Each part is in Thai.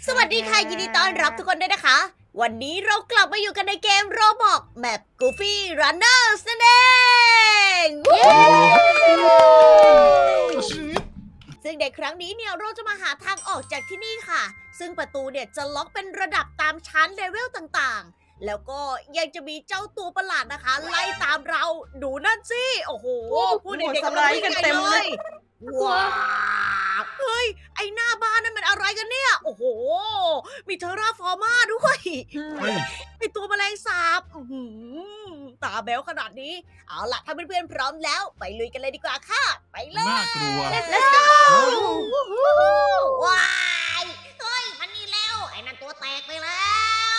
สวัสดีค่ะยินดีต้อนรับทุกคนด้วยนะคะ วันนี้เรากลับมาอยู่กันในเกมโรบอกแมป Goofy Runners นั่นเองซึ่งในครั้งนี้เนี่ยเราจะมาหาทางออกจากที่นี่ค่ะ ซึ่งประตูเนี่ยจะล็อกเป็นระดับตามชั้นเลเวลต่างๆ แล้วก็ยังจะมีเจ้าตัวประหลาดนะคะ ไล่ตามเราดูนั่นสิโอ้โหพูดเด็กๆกำลังวิ่งกันเต็มเลยว้าวเฮ้ยไอหน้าบ้านนั่นมันอะไรกันเนี่ยโอ้โหมีเทอร่าฟอร์มาด้วยไอตัวแมลงสาบตาแบ๊วขนาดนี้เอาล่ะถ้าเพื่อนๆพร้อมแล้วไปลุยกันเลยดีกว่าค่ะไปเลยน่ากลัว Let's go ว้ายเฮ้ยมันนี่แล้วไอ้นั่นตัวแตกไปแล้ว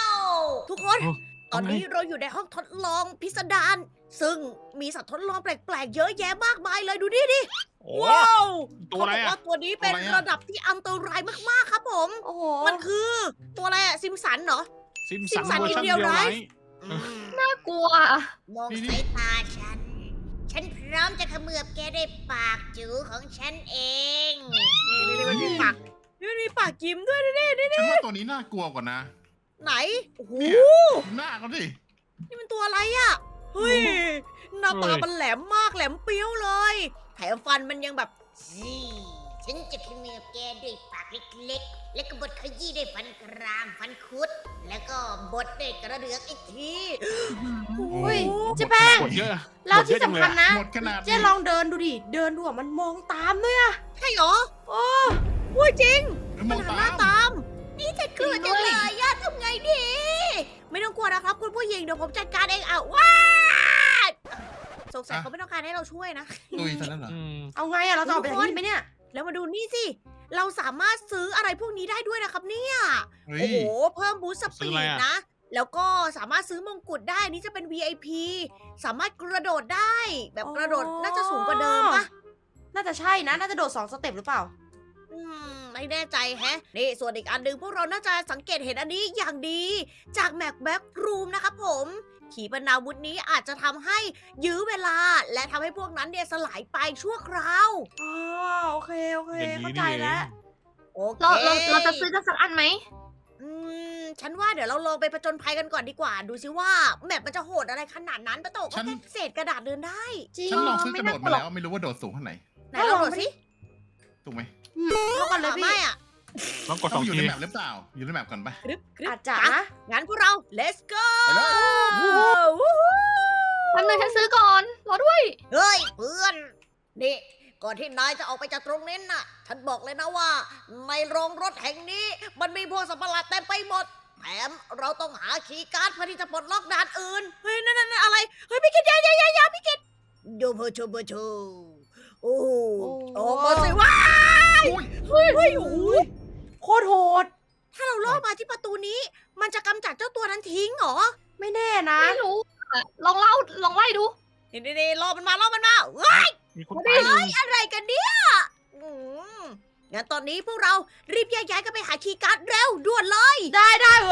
ทุกคน ตอนนี้เราอยู่ในห้องทดลองพิสดารซึ่งมีสัตว์ทดลองแปลกๆเยอะแยะมากมายเลยดูดิ ว้าวตัวอะไรเขาบอกอะว่าตัวนี้เป็นระดับที่อันตรายมากๆครับผมโอ้โหมันคือตัวอะไรอะซิมสันเหรอซิมซิสัมนสันเวอร์ชันอินเดีเดียยวไรไรน่ากลัวมองสายตาฉัน ฉันพร้อมจะเขมือบแกด้วยปากจูของฉันเองนี่มันมีปากนี่มันมีปากยิ้มด้วยนี่ฉันว่าตัวนี้น่ากลัวกว่านะไหนโอ้โหหน้าเขาดินี่มันตัวอะไรอะเฮ้ยหน้าตามันแหลมมากแหลมเปี้ยวเลยแถมฟันมันยังแบบฉันจะเขมือบแกด้วยปากเล็กๆแล้วก็บดขยี้ด้วยฟันกรามฟันคุด แล้วก็บดด้วยกระเดือกอีกทีอุ้ยเจ๊แป้งหมดเยอะแล้วที่สำคัญนะหมดขนาดเจ๊ลองเดินดูดิ เดินดูอะมันมองตามด้วยอะใช่เหรอโอ้พูดจริงมมัอน งหันตาหน้าม ตาม นี่ฉันกลัวจังเลยย่าทำไงดี ไม่ต้องกลัวนะครับคุณผู้หญิงเดี๋ยวผมจัดการเองอ่ะว้าสงสัยเขาไม่ต้องการให้เราช่วยนะตุยซะแล้วเหรอเอาไงอะเราจะออกไปจากที่นี่ไหมเนี่ยแล้วมาดูนี่สิ เราสามารถซื้ออะไรพวกนี้ได้ด้วยนะครับเนี่ยเฮ้ยโอ้โห เพิ่มบูสต์สซื้ปีออะไรดอะนะ แล้วก็สามารถซื้อมงกุฎได้ นี่จะเป็น VIP สามารถกระโดดได้ แบบกระโดดน่าจะสูงกว่าเดิมปะน่าจะใช่นะ น่าจะโดด2 สเต็ปหรือเปล่าไม่แน่ใจแฮะ นี่ส่วนอีกอันหนึ่งพวกเราน่าจะสังเกตเห็นอันนี้อย่างดี จากแม็กแบ็กรูมนะครับผม ขีปนาวุธนี้อาจจะทำให้ยื้อเวลา และทำให้พวกนั้นเนี่ยสลายไปชั่วคราวอ๋อ โอเคอย่างนี้เข้านี่ใจเองแล้วโอเคเราจะซื้อกันสักอันไหมฉันว่าเดี๋ยวเราลองไปผจญภัยกันก่อนดีกว่า ดูซิว่าแมปมันจะโหดอะไรขนาดนั้นปะโตก็ฉันแค่เศษกระดาษเดินได้จริงฉันลองซื้อกระโดดมาแล้วไม่น่ากลัวไม่รู้ว่าโดดสูงเท่าไหร่ไหนลองดูสิถูกไหมเท่ากันเลยไม่พี่อะต้องกด2อยู่ในแมปหรือเปล่า อยู่ในแมปก่อนไปกรึบกรึบอาจจะอ่นะงั้นพวกเรา let's go ไปเลยวู้ฮู้แป๊บนึงฉันซื้อก่อน รอด้วยเฮ้ยเพื่อน นี่ ก่อนที่นายจะออกไปจากตรงนี้น่ะ ฉันบอกเลยนะว่า ในโรงรถแห่งนี้ มันมีพวกสัตว์ประหลาดเต็มไปหมด แถมเราต้องหาคีย์การ์ดเพื่อที่จะปลดล็อกด่านอื่น เฮ้ย นั่นอะไร เฮ้ยพี่กิตอย่าพี่กิตดูเพอชูโอ้โหออกมาสิว้าโอ้ยเฮ้ยโอ้โหโคตรโหดถ้าเราล่อมาที่ประตูนี้ มันจะกำจัดเจ้าตัวนั้นทิ้งเหรอไม่แน่นะไม่รู้อะลองไล่ดูนี่ล่อมันมาเฮ้ยมีคนตายอยู่อะไรกันเนี่ยงั้นตอนนี้พวกเรารีบแยกย้ายกันไปหาคีย์การ์ดเร็วด่วนเลยได้เว้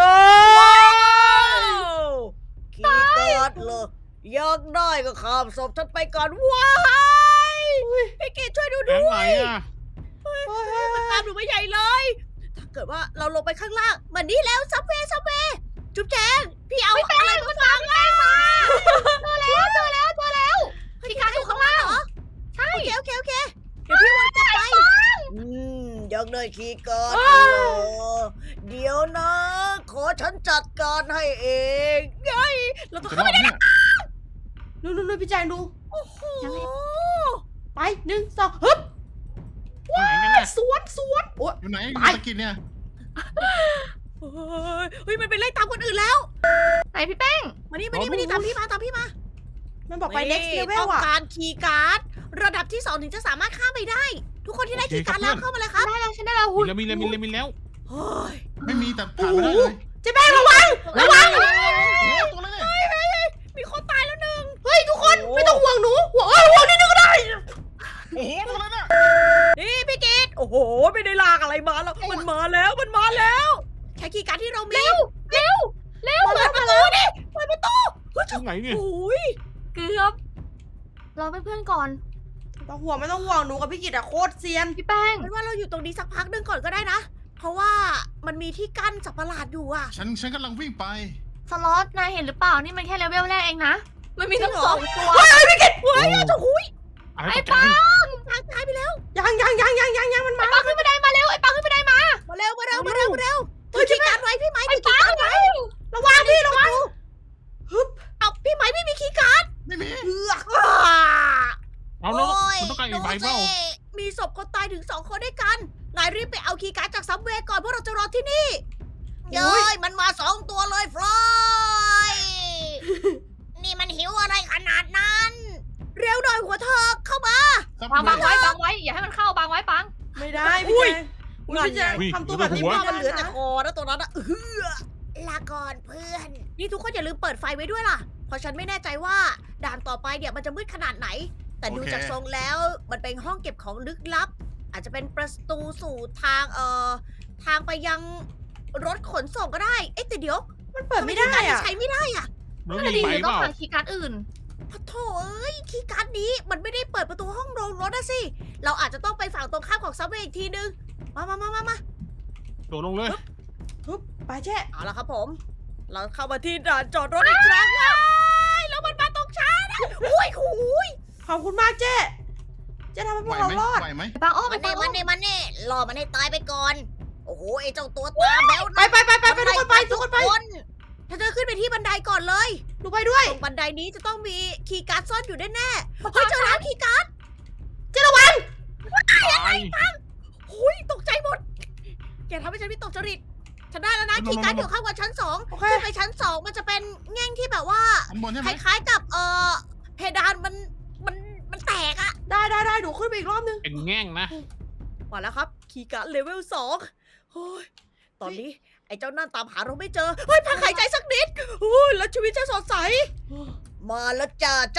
คีย์การ์ดเลยอยากได้ก็ข้ามศพฉันไปก่อนว้ายพี่กิตช่วยดูแล้ด้ววไหนยอะมันตามหนูมาใหญ่เลย ถ้าเกิดว่าเราลงไปข้างล่างมันนี่แล้วซับเวย์จุ๊บแจงพี่เอาอะไรมาฟังอ่ะเจอแล้วพี่การ์ดอยู่ข้างล่างเหรอใช่โอเคเดี๋ยวพี่วนกลับไปอยากได้คีย์การ์ดเหรอเดี๋ยวนะ ขอฉันจัดการให้เองไงเราต้องจะเข้ารอไปดไหมเนี่ยนู่นพี่แจงดูโอ้โหไป1 2ฮึบอยู่ไหนกันน่ะสวนโอ้ยอยู่ไหนอยู่ไปตะกินเนี่ยเฮ้ยมันไปไล่ตามคนอื่นแล้วไหนพี่แป้งมานี่ตามพี่มามันบอกไป next ต้ level องอะการคีย์การ์ดระดับที่ 2 ถึงจะสามารถข้ามไปได้ ทุกคนที่ได้คีย์การ์ดแล้วเข้ามาเลยครับได้แล้วฉันได้แล้วมีหุ่นแล้วมีแล้วเฮ้ยไม่มีแต่ผ่านไม่ได้เลยเจ๊แป้งระวังโอ้ตัวอะไรเนี่ยมีคนตายแล้วหนึ่งเฮ้ยทุกคนไม่ต้องห่วงหนูห่วงนิดนึงก็ได้โอ้โหตัวอะไรเนี่ยนี่พี่กิตโอ้โห ไม่ได้ลากอะไรมาแล้วมันมาแล้วใช้คีย์การ์ดที่เรามีเร็วเปิดประตูดิเปิดประตูตรงไหนเนี่ยโอ้ยเกือบรอเพื่อนๆก่อนไม่ต้องห่วงหนูกับพี่กิตอะโคตรเซียนพี่แป้งเป็นว่าเราอยู่ตรงนี้สักพักหนึ่งก่อนก็ได้นะเพราะว่ามันมีที่กั้นสัตว์ประหลาดอยู่อะฉันกำลังวิ่งไปสล็อตนายเห็นหรือเปล่า นี่มันแค่เลเวลแรกเองนะ มันมีตั้งจริงเหรอ 2 ตัวเฮ้ยเจ้าหุยอะไรไอ้ตกใจปังทางตายไปแล้วยังมันมาปังขึ้นบันไดมาเร็ว ไอ้ปังขึ้นบันไดมามาเร็วถือคีย์การ์ดไว้พี่ไม้ถือคีย์การ์ดไว้ระวังพี่ระวังเอาพี่ไม้ไม่มีคีย์การ์ดไม่มีเอือกเอาแล้วโอ้ยมันต้องการอีกใบเปล่าดูสิมีศพคนตายถึง2 คนด้วยกัน นายรีบไปเอาคีย์การ์ดจากซับเวย์ก่อนเพราะเราจะรอที่นี่ เย้ยมันมา2 ตัวเลยฟลอยนี่มันหิวอะไรขนาดนั้น เร็วหน่อยหัวเธอเข้ามาบังไว้ อย่าให้มันเข้าบังไว้ปังไม่ได้พี่แจงพี่แจงอุ้ยทำตัวแบบนี้หัวไม่มันได้เหลือแต่นะคอนะตัวนั้นอะลาก่อนเพื่อน นี่ทุกคนอย่าลืมเปิดไฟไว้ด้วยล่ะ เพราะฉันไม่แน่ใจว่าด่านต่อไปเนี่ยมันจะมืดขนาดไหน แต่ดูจากทรงแล้วมันเป็นห้องเก็บของลึกลับ อาจจะเป็นประตูสู่ทางทางไปยังรถขนส่งก็ได้ เอ๊ะแต่เดี๋ยวมันเปิดไม่ได้ทำคีย์การ์อะใช้ไม่ได้อะแล้วไม่มีดีใบหรือเปต้องล่าหาคีย์การ์ดอื่นพะโถเอ้ยคีย์การ์ดนี้มันไม่ได้เปิดประตูห้องโรงรถนะสิ เราอาจจะต้องไปฝั่งตรงข้ามของซับเวย์อีกทีนึง มาโดดลงเลยไปแจ้เอาละครับผม เราเข้ามาที่ด่านจอดรถอีกครั้งแล้วมันมาตรงช้านะอุ้ยขอบคุณมากเจ๊ทำให้พไหววกเราไหมรอดไหวไหมไอ้ปังอ้อมมัไอ้นปัเน่งมันเน่รอมันให้ตายไปก่อน โอ้โหไอ้เจ้าตัวตาแบ๊วไปทุกคนไปทุกคนไปถ้าเธอขึ้นไปที่บันไดก่อนเลยหนูไปด้วยตรงบันไดนี้จะต้องมีคีย์การ์ดซ่อนอยู่แน่ๆเฮ้ยเจอแล้วคีย์การ์ดตายหุยตกใจหมดอย่าทำให้ฉันวิตกจริตฉันได้แล้วนะคีย์การ์ดอยู่ข้างบนชั้นโอเค 2ขึ้นไปชั้น 2 มันจะเป็นแง่งที่แบบว่าข้างบนใช่ไหคมล้ายๆกับเพดานมันแตกอะได้หนูขึ้นไปอีกรอบนึงเป็นแง่งนะมาแล้วครับคีย์การ์ดเลเวล2โอ้ยตอนนี้ไอ้เจ้านั่นตามหาเราไม่เจอเฮ้ยพักหายใจสักนิดโอ้ยแล้วชีวิตจะสดใส มาแล้วจ้าจ๊ะ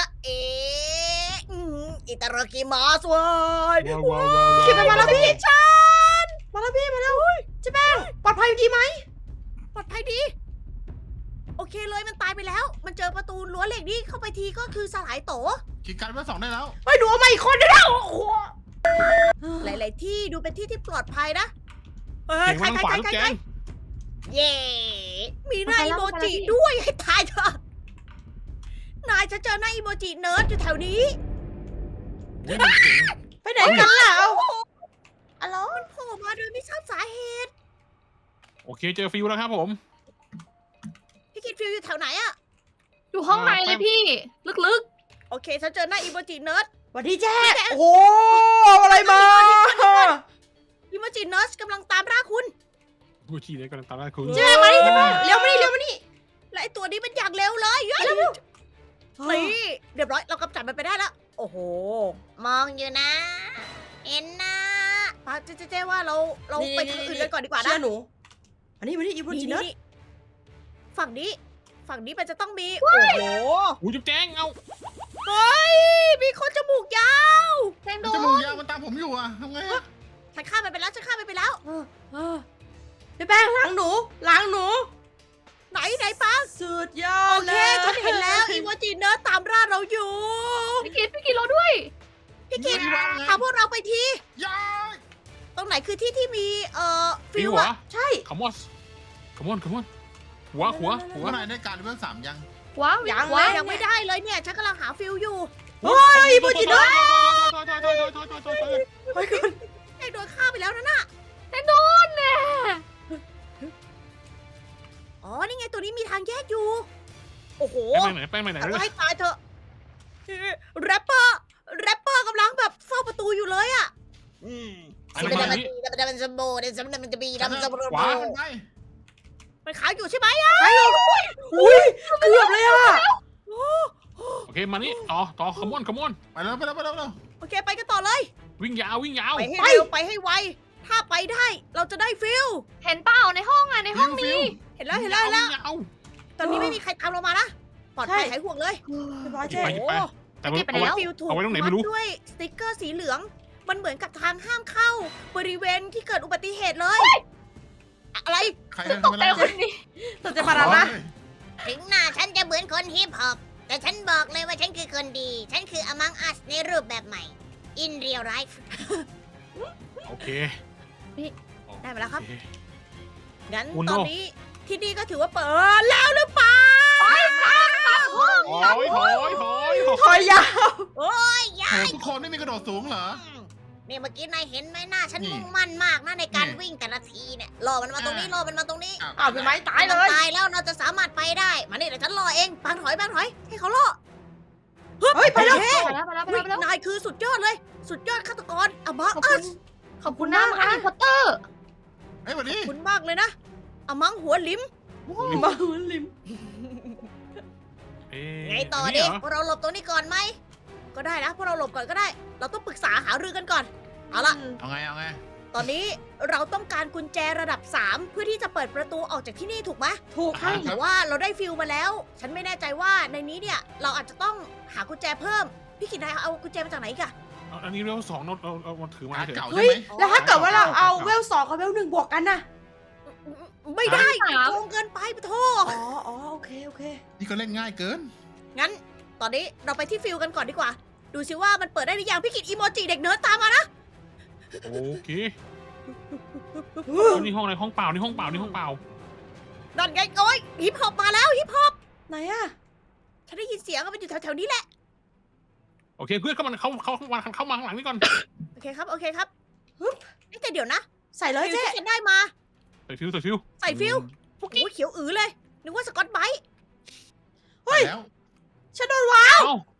อิตารากิมาสเว้ยว้าวขี่ไปมาแล้วพี่ฉันมาแล้วเจ๊แป้งปลอดภัยดีไหมปลอดภัยดี โอเคเลยมันตายไปแล้ว มันเจอประตูรั้วเหล็กนี่เข้าไปทีก็คือสลายโตคีย์การ์ดเบอร์ 2ได้แล้วเฮ้ยหนูเอามาอีกคนนึงแล้วโอ้โหหลายๆที่ดูเป็นที่ที่ปลอดภัยนะเออเก่งใครมากขวาลูกแกงเย่มีหน้าอีโมจิด้วยให้ตายเถอะนายจะเจอหน้าอีโมจิเนิร์ดอยู่แถวนี้อุ้ยมันเจ๋งไปไหนกันล่ะเอาอ๋อมันโผล่มาโดยไม่ทราบสาเหตุโอเคเจอฟิวแล้วครับผมพี่กิดฟิลอยู่แถวไหนอะอยู่ห้องในเลยพี่ ลึกโอเคฉันเจอหน้าอีโมจิเนิร์ดสวัสดีแจ๊โอ้โหเอาอะไรมาอีโมจิเนิร์ดกำลังตามร่าคุณกูชีเลยกำลังตามล่าคุณเจ๊มานี่เจ๊แป้งเร็วมานี่และไอตัวนี้มันอย่างเร็วเลยเฮ้ยนี่เรียบร้อยเรากำจัดมันไปได้แล้ว โอ้โห มองอยู่นะ เห็นนะป้าเจ๊ว่าเราไปทางอื่นกันก่อนดีกว่านะเชื่อหนูอันนี้อีโมจิเนอร์นี่ฝั่งนี้มันจะต้องมี โอ้โหอู้จุ๊บแจ้งเอาเฮ้ย มีคนจมูกยาวๆแทงโดจนมูกยาวมันตามผมอยู่อะทำไงอะฉันฆ่ามันไปแล้วเจ๊แป้งล้างหนูไหนป้าสุดยอโอดเคเลยฉันเห็นแล้วอีโมจิเนิร์ดตามร่าเราอยู่พี่กิดรอด้วยพี่กิดวางไงพาพวกเราไปทียายตรงไหนคือที่ที่มีฟิฟิววเหรอะอใช่ขมอนหัวหัวนายได้การเบอร์ 3ยังว้าวยังว้าวยังไม่ได้เลยเนี่ย ฉันกำลังหาฟิลอยู่โอ้ยอีโมจิเนอร์ ไปก่อนไอ้โดนฆ่าไปแล้วนั่นน่ะแทงโดนแน่อ๋อ นี่ไงตัวนี้มีทางแยกอยู่ โอ้โหแป้งไปไหนแต่เลว่าย ให้ตายเถอะแรปเปอร์กำลังแบบเฝ้าประตูอยู่เลยอ่ะมันจะบีมันขายอยู่ใช่ไหมอ่ะอุ้ยเกือบเลยอ่ะโอเคมานี่ต่อขมอนไปแล้วโอเคไปกันต่อเลยวิ่งยาวไปให้เร็วไปให้ไว ถ้าไปได้เราจะได้ฟิลเห็นเปล่าในห้องในห้องมีเห็นแล้ว ตอนนี้ไม่มีใครตามเรามานะ ปลอดภัยหายห่วงเลยเรียบร้อยหยิเจ๊บไป แต่เก็บไปแล้วฟิลถูกเอาไว้ตรงไหนไม่รู้ด้วยสติ๊กเกอร์สีเหลือง มันเหมือนกับทางห้ามเข้า บริเวณที่เกิดอุบัติเหตุเลย อะไรใครตกใจคนนี้ตัวเจ๊ปารานะถึงหน้าฉันจะเหมือนคนฮิปฮอปแต่ฉันบอกเลยว่าฉันคือคนดี ฉันคือ Among Us ในรูปแบบใหม่ In real life โอเคได้มาแล้วครับโอเงั้นอุโน่ตอนนี้ที่นี่ก็ถือว่าเปิดแล้วหรือเปล่าถอยถอยถอยถอยยาวโอ้ยยาโอ้ยทุกคนไม่มีกระโดดสูงเหรอนี่เมื่อกี้นายเห็นไหมหน้าฉันนี่มุ่งมั่นมากนะในการนี่วิ่งแต่ละทีเนี่ยรอมันมาตรงนี้รอมันมาตรงนี้อ้าวพี่ไม้ตายเลมันยตายแล้วเราจะสามารถไปได้มานี่เดี๋ยวฉันรอเองปางถอยให้เขารอเฮ้ยไปแล้วโอเคไปแล้วไปแล้วไปอุ๊แล้ยวไปแล้วนายคือสุดยอดเลย สุดยอดฆาตกรอะมังขอบอัคุสณขอบคุณนะมาร์คพอตเตอร์เฮ้ยวันนี้คุณมากเลยนะอะมังหัวลิมมาลิมเอ๊ะไงต่ออันดินี้เหรพวกเราหลบตรงนี้ก่อนไหมก็ได้นะพวกเราหลบก่อนก็ได้ เราต้องปรึกษาหารือกันก่อนเอาละเอาไงเอาไงตอนนี้เราต้องการกุญแจระดับ 3 เพื่อที่จะเปิดประตูออกจากที่นี่ถูกไหมถูกใช่แต่ว่าเราได้ฟิลมาแล้ว ฉันไม่แน่ใจว่าในนี้เนี่ยเราอาจจะต้องหากุญแจเพิ่ม พี่กินนายเอากุญแจมาจากไหนอีกอะอันนี้เร็ว2เรามาถือมาการเฉยเก่าเฮ้ใช่ยไหมแล้วถ้าเกิดว่าเราเอาเวล 2 กับเวล 1 บวกกันนะไม่ได้สามโกงเกินไปปะโทอ๋อโอเคนี่ก็เล่นง่ายเกินงั้น ตอนนี้เราไปที่ฟิลกันก่อนดีกว่า ดูสิว่ามันเปิดได้หรือยังพี่กินอีโมจิเด็กเนิร์ดตามมานะโอเคนี่ห้องอะไรห้องเปล่านี่ห้องเปล่านี่ห้องเปล่านั่นไงโอ้ยฮิปฮอปมาแล้วฮิปฮอปไหนอะฉันได้ยินเสียงมันอยู่แถวๆนี้แหละโอเคเพื่อนเข้ามาเข้ามาข้างหลังนี่ก่อนโอเคครับเอ๊ะแต่เดี๋ยวนะใส่เลยฟิลเจ๊ที่ฉันได้มาใส่ฟิวใส่ฟิวใส่ฟิลโอ้ยเขียวอือเลยนึกว่าสกอตไบรท์เฮ้ยแล้วฉันโดนวางเอ้า